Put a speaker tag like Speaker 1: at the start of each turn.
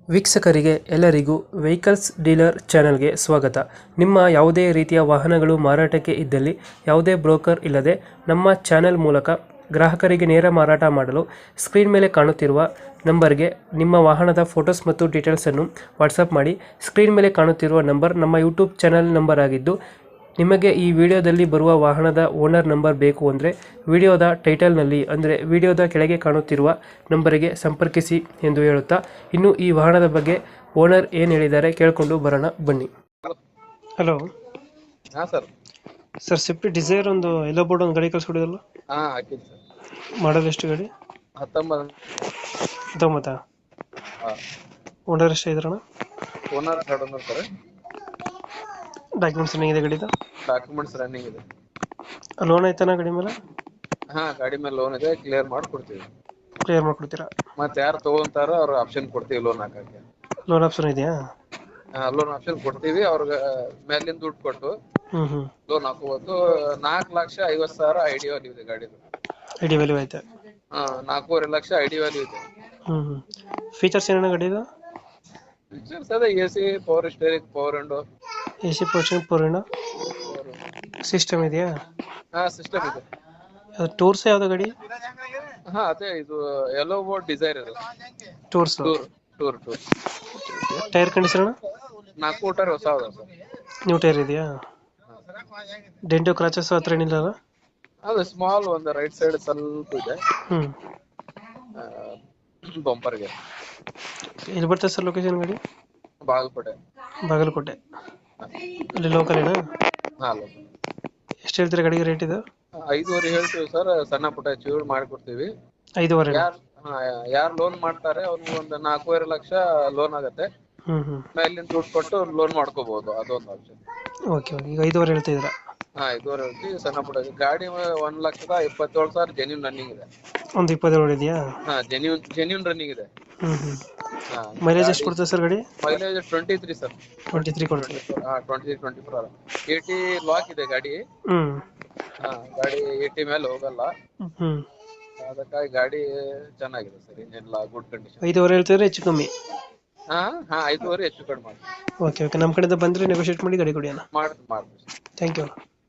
Speaker 1: ವೀಕ್ಷಕರಿಗೆ ಎಲ್ಲರಿಗೂ vehicles dealer ಚಾನೆಲ್ಗೆ ಸ್ವಾಗತ. ನಿಮ್ಮ ಯಾವುದೇ ರೀತಿಯ ವಾಹನಗಳು ಮಾರಾಟಕ್ಕೆ ಇದ್ದಲ್ಲಿ ಯಾವುದೇ ಬ್ರೋಕರ್ ಇಲ್ಲದೆ ನಮ್ಮ ಚಾನೆಲ್ ಮೂಲಕ ಗ್ರಾಹಕರಿಗೆ ನೇರ ಮಾರಾಟ ಮಾಡಲು ಸ್ಕ್ರೀನ್ ಮೇಲೆ ಕಾಣುತ್ತಿರುವ ನಂಬರ್ಗೆ ನಿಮ್ಮ ವಾಹನದ ಫೋಟೋಸ್ ಮತ್ತು ಡೀಟೇಲ್ಸನ್ನು ವಾಟ್ಸಪ್ ಮಾಡಿ. ಸ್ಕ್ರೀನ್ ಮೇಲೆ ಕಾಣುತ್ತಿರುವ ನಂಬರ್ ನಮ್ಮ ಯೂಟ್ಯೂಬ್ ಚಾನೆಲ್ ನಂಬರ್ ಆಗಿದ್ದು, ನಿಮಗೆ ಈ ವಿಡಿಯೋದಲ್ಲಿ ಬರುವ ವಾಹನದ ಓನರ್ ನಂಬರ್ ಬೇಕು ಅಂದರೆ ವಿಡಿಯೋದ ಟೈಟಲ್ನಲ್ಲಿ ಅಂದರೆ ವಿಡಿಯೋದ ಕೆಳಗೆ ಕಾಣುತ್ತಿರುವ ನಂಬರಿಗೆ ಸಂಪರ್ಕಿಸಿ ಎಂದು ಹೇಳುತ್ತಾ, ಇನ್ನು ಈ ವಾಹನದ ಬಗ್ಗೆ ಓನರ್ ಏನು ಹೇಳಿದ್ದಾರೆ ಕೇಳಿಕೊಂಡು ಬರೋಣ ಬನ್ನಿ. ಹಲೋ
Speaker 2: ಹಾ ಸರ್.
Speaker 1: ಸರ್, ಸ್ವಿಫ್ಟ್ ಡಿಸೈರ್ ಒಂದು ಎಲ್ಲೋ ಬೋರ್ಡ್ ಒಂದು ಗಾಡಿ ಕಳಿಸ್ಕೊಡಿದಲ್ಲ,
Speaker 2: ಹಾ ಹಾಕಿದ್ ಸರ್.
Speaker 1: ಮಾಡಲ್ ಎಷ್ಟು ಗಾಡಿ?
Speaker 2: 19. ಹಾ,
Speaker 1: ಓನರ್ ಎಷ್ಟು ಇದ್ರಣ?
Speaker 2: Owner third owner sir.
Speaker 1: Documents ಏನಿದೆ ಗಾಡಿದು?
Speaker 2: ಡಾಕ್ಯುಮೆಂಟ್ಸ್ ರನ್ನಿಂಗ್ ಇದೆ.
Speaker 1: ಲೋನ್ ಆಯ್ತಾನ ಗಾಡಿ ಮೇಲೆ?
Speaker 2: ಹಾ, ಗಾಡಿ ಮೇಲೆ ಲೋನ್ ಇದೆ, ಕ್ಲಿಯರ್ ಮಾಡ್ಕೊಡ್ತೀವಿ.
Speaker 1: ಕ್ಲಿಯರ್ ಮಾಡ್ಕೊಡ್ತೀರಾ?
Speaker 2: ಮತ್ತೆ ಯಾರು ತಗೊಂತಾರೋ ಅವ್ರ ಆಪ್ಷನ್ ಕೊಡ್ತೀವಿ ಲೋನ್ ಹಾಕಕ್ಕೆ.
Speaker 1: ಲೋನ್ ಆಪ್ಷನ್ ಇದೆಯಾ?
Speaker 2: ಲೋನ್ ಆಪ್ಷನ್ ಕೊಡ್ತೀವಿ, ಅವ್ರಿಗೆ ಮೇಲಿನ ದುಡ್ಡು ಕೊಟ್ಟು ಲೋನ್ ಹಾಕೋಬಹುದು. 4,50,000 ಐಡಿ ವ್ಯಾಲ್ಯೂ ಇದೆ ಗಾಡಿದು.
Speaker 1: ಐಡಿ ವ್ಯಾಲ್ಯೂ ಐತೆ?
Speaker 2: 4.5 ಲಕ್ಷ ಐಡಿ ವ್ಯಾಲ್ಯೂ ಇದೆ.
Speaker 1: ಫೀಚರ್ಸ್ ಏನೇನು ಗಾಡಿದು?
Speaker 2: ಫೀಚರ್ಸ್ ಅದೇ AC, power steering, power window,
Speaker 1: AC portion, power window, system ಇದೆಯಾ?
Speaker 2: ಹಾ ಸಿಸ್ಟಮ್ ಇದೆ.
Speaker 1: ಟೂರ್ಸ್ ಯಾವ್ದು ಗಾಡಿ?
Speaker 2: ಹಾ ಅದೇ ಇದು ಯೆಲ್ಲೋ ಬೋರ್ಡ್ ಡಿಸೈರ್ ಇದೆ.
Speaker 1: Tours.
Speaker 2: Tour
Speaker 1: tyre condition?
Speaker 2: 4 tyre ಹೊಸ ಅದ ಸರ್.
Speaker 1: ನ್ಯೂ ಟೈರ್ ಇದೆಯಾ? ಡೆಂಟೋ ಕ್ರಾಚಸ್ ಹತ್ರ ಏನಿಲ್ಲ ಅಲ್ಲ?
Speaker 2: ಅದು ಸ್ಮಾಲ್ ಒಂದು ರೈಟ್ ಸೈಡ್ ಸ್ವಲ್ಪ ಇದೆ. ಬಂಪರ್ಗೆ.
Speaker 1: ಎಲ್ಲಿ ಬರ್ತದೆ ಸರ್ ಲೊಕೇಶನ್ ಗಾಡಿ?
Speaker 2: ಬಾಗಲಕೋಟೆ.
Speaker 1: ಬಾಗಲಕೋಟೆ ಅಲ್ಲಿ ಲೋಕಲ್ ಏನಾ?
Speaker 2: ಹಾ,
Speaker 1: ಎಷ್ಟು ಹೇಳ್ತೀರಾ ಗಾಡಿಗೆ ರೇಟ್ ಇದು?
Speaker 2: 5.5 ಹೇಳ್ತೀವಿ ಸರ್. ಸಣ್ಣ ಪುಟ್ಟ ಚೂರು ಮಾಡ್ಕೊಡ್ತೀವಿ.
Speaker 1: 5.5?
Speaker 2: ಯಾರು ಲೋನ್ ಮಾಡ್ತಾರೆ ಅವ್ರಿಗೆ ಒಂದು 4.5 ಲಕ್ಷ ಲೋನ್ ಆಗತ್ತೆ. ಮೇಲಿನ ದುಡ್ಡು ಕೊಟ್ಟು ಲೋನ್ ಮಾಡ್ಕೋಬಹುದು, ಅದೊಂದು ಆಪ್ಷನ್.
Speaker 1: ಓಕೆ, ಈಗ 5.5 ಹೇಳ್ತಾ ಇದ್ದೀರಾ?
Speaker 2: ಹಾ, 5.5 ಹೇಳ್ತೀವಿ. ಸಣ್ಣ ಪುಟ್ಟ ಗಾಡಿ 1,27,000 ಜೆನ್ಯೂನ್ ರನ್ನಿಂಗ್ ಇದೆ.
Speaker 1: ಒಂದು 27 ಇದೆಯಾ? ಹಾ,
Speaker 2: ಜೆನ್ಯೂನ್ ರನ್ನಿಂಗ್ ಇದೆ.
Speaker 1: ಮೈಲೇಜ್ ಎಷ್ಟು ಕೊಡ್ತದೆ ಸರ್ ಗಾಡಿ?
Speaker 2: Mileage 23 sir.
Speaker 1: 23 ಕೊಡ್ತದೆ?
Speaker 2: 23-24. 80 ಲಾಕ್ ಇದೆ ಗಾಡಿ. ಗಾಡಿ 80 ಮೇಲೆ ಹೋಗಲ್ಲ. ಅದಕ್ಕಾಗಿ ಗಾಡಿ ಚೆನ್ನಾಗಿದೆ ಸರ್. ಇನ್ನೆಲ್ಲ ಗುಡ್ ಕಂಡೀಷನ್.
Speaker 1: 5.5 ಹೇಳ್ತಿದ್ರೆ ಹೆಚ್ಚು ಕಮ್ಮಿ?
Speaker 2: ಹಾ 5.5 ಹೆಚ್ಚು ಕಡಿಮೆ ಮಾಡಿ.
Speaker 1: ಓಕೆ, ನಮ್ಮ ಕಡೆಯಿಂದ ಬಂದರೆ ನೆಗೋಷಿಯೇಟ್ ಮಾಡಿ ಗಾಡಿ ಕೊಡಿ ಅಣ್ಣ.
Speaker 2: ಮಾಡ್ತೀವಿ.
Speaker 1: Thank you.